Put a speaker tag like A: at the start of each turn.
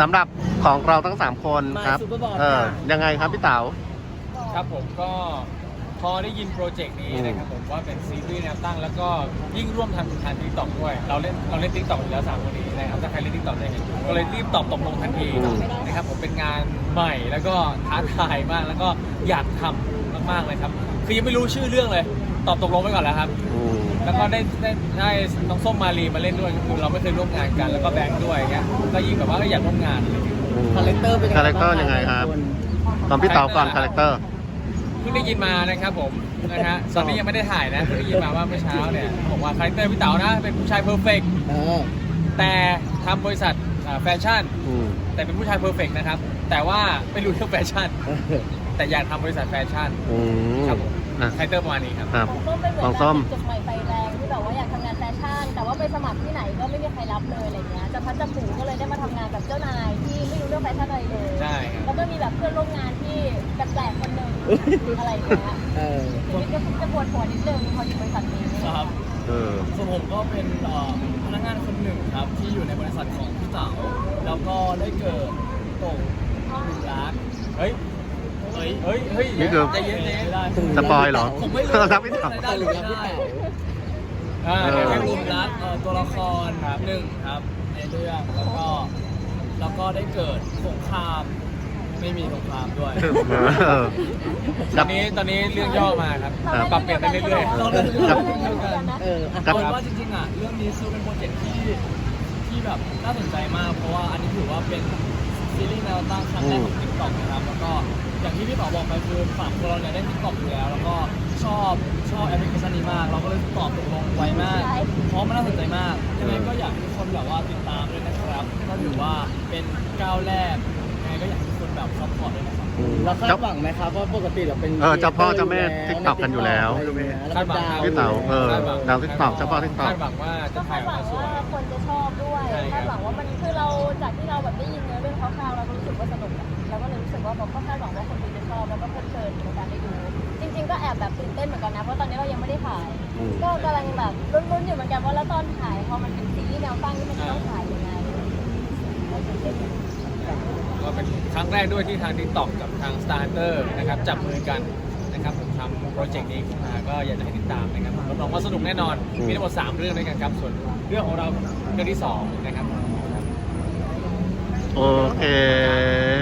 A: สำหรับของเราทั้ง3คนครับยังไงครับพี่เต๋า
B: ครับผมก็พอได้ยินโปรเจกต์นี้นะครับผมว่าเป็นซีรีส์แนวตั้งแล้วก็ยิ่งร่วมทำทางTikTokด้วยเราเล่น TikTok อยู่แล้ว3คนนี้นะครับถ้าใครเล่น TikTok ได้เห็นก็เลยรีบตอบตกลงทันทีนะครับผมเป็นงานใหม่แล้วก็ท้าทายมากแล้วก็อยากทำมากๆเลยครับคือยังไม่รู้ชื่อเรื่องเลยตอบตกลงไว้ก่อนแล้วครับแล้วก็ได้น้องส้มมาลีมาเล่นด้วยคือเราไม่เคยร่วมงานกันแล้วก็แบงค์ด้วยเงี้ยก็ยิ่งแบบว่าอยากร่วมงาน
C: คาแรคเตอร์เป็น
A: ยังไงครับตอนพี่เต๋าก่อนคาแรคเตอร์
B: เพิ่งได้ยินมานะครับผมนะฮะตอนนี้ยังไม่ได้ถ่ายนะเพิ่งได้ยินมาว่าเมื่อเช้าเนี่ยบอกว่าคาแรคเตอร์พี่เต๋านะเป็นผู้ชายเพอร์เฟกต์แต่ทำบริษัทแฟชั่นแต่เป็นผู้ชายเพอร์เฟกต์นะครับแต่ว่าไม่รู้เรื่องแฟชั่นแต่อยากทำบริษัทแฟชั่นครับผมคาแรคเตอร์ประมาณนี้ครับ
D: ของส้มจบใหม่ไฟแรงที่แบบว่าอยากทำงานแฟชั่นแต่ว่าไปสมัครที่ไหนก็ไม่มีใครรับเลยอะไรเงี้ยจะพัดจะผูก็เลยได้มาทำงานกับเจ้านายที่ไม่รู้เรื่องแฟชั่นอะไรเลย
B: ใช่
D: แล้วก็มีแบบเพื่อนร่วมงานที่แปลกๆคนหนึ่งอะไรอย่างเงี้ยชีวิตก็จะปวดหัวนิดนึงพออยู่บริษัทนี้
C: ครับส่วนผมก็เป็นพนักงานคนหนึ่งครับที่อยู่ในบริษัทของพี่เต๋าแล้วก็ได้เกิดตกหลุมรัก
B: เฮ้ย
A: นี่คือสปอยเหรอ
C: ผมไม่รู้
A: รักพี่เต๋า
C: ได้หรือไม่ได้เป็นหลุมรักตัวละครหนึ่งครับในเรื่องแล้วก็ได้เกิดสงครามไม่มีสงครามด้วย
B: ตอนนี้เรื่องย่อมาครับปรับเปลี่ยนไปเรื่อยๆ
C: เราเล่นเรื่องว่าจริงๆเรื่องนี้คือเป็นโปรเจกต์ที่แบบน่าสนใจมากเพราะว่าอันนี้ถือว่าเป็นซีรีส์แนวตั้งครั้งแรกของ TikTok นะครับแล้วก็อย่างที่พี่ต่อบอกไปคือฝั่งเราเนี่ยได้ TikTok อยู่แล้วแล้วก็ชอบแอปพลิเคชันนี้มากเราก็เลยตอบตกลงไวมากเพราะมันน่าสนใจมากยังไงก็อยากให้ทุกคนแบบว่าติดตามด้วยนะครับก็ถือว่าเป็นก้าวแรกยังไงก็อยากให้ทุกคนแบบซัพพอร์ตด้วยนะครับเราคาดหวังไหมครับว่าปกติเราเป็น
A: เจ้าพ่อเจ้าแม่ TikTok กันอยู่แล้ว
B: คาดหวัง
A: พี่เต๋าดาว TikTok เจ้าพ่อ TikTok
B: คาดหวังว่าจะถ่ายออกมาสวย
D: คนจะชอบด้วยคาดหวังว่ามันคือเราจากที่เราแบบได้ยินเนื้อเรื่องคร่าวๆเราก็รู้สึกว่าสนุกเราก็เลยรู้สึกว่าเราก็คาดหวังว่าคนดูจะชอบแล้วก็เพลิดเพลินในการได้ดูจริงๆก็แอบแบบตื่นเต้นเหมือนกันนะเพราะตอนนี้เรายังไม่ได้ถ่ายก็กำลังแบบลุ้นๆอยู่เหมือนกันว่าแล้วตอนถ่ายพอมันเป็นซีรีส์แนวตั้งที่มันจะต้องถ่ายยังไง
B: ก็เป็นครั้งแรกด้วยที่ทาง TikTok กับทาง Starter นะครับจับมือกันนะครับผมทำโปรเจกต์นี้ขึ้นมาก็อยากจะให้ติดตามนะครับรับรองว่าสนุกแน่นอนมีทั้งหมด3เรื่องด้วยกันครับส่วนเรื่องของเราเรื่องที่2นะครับ
A: โอเค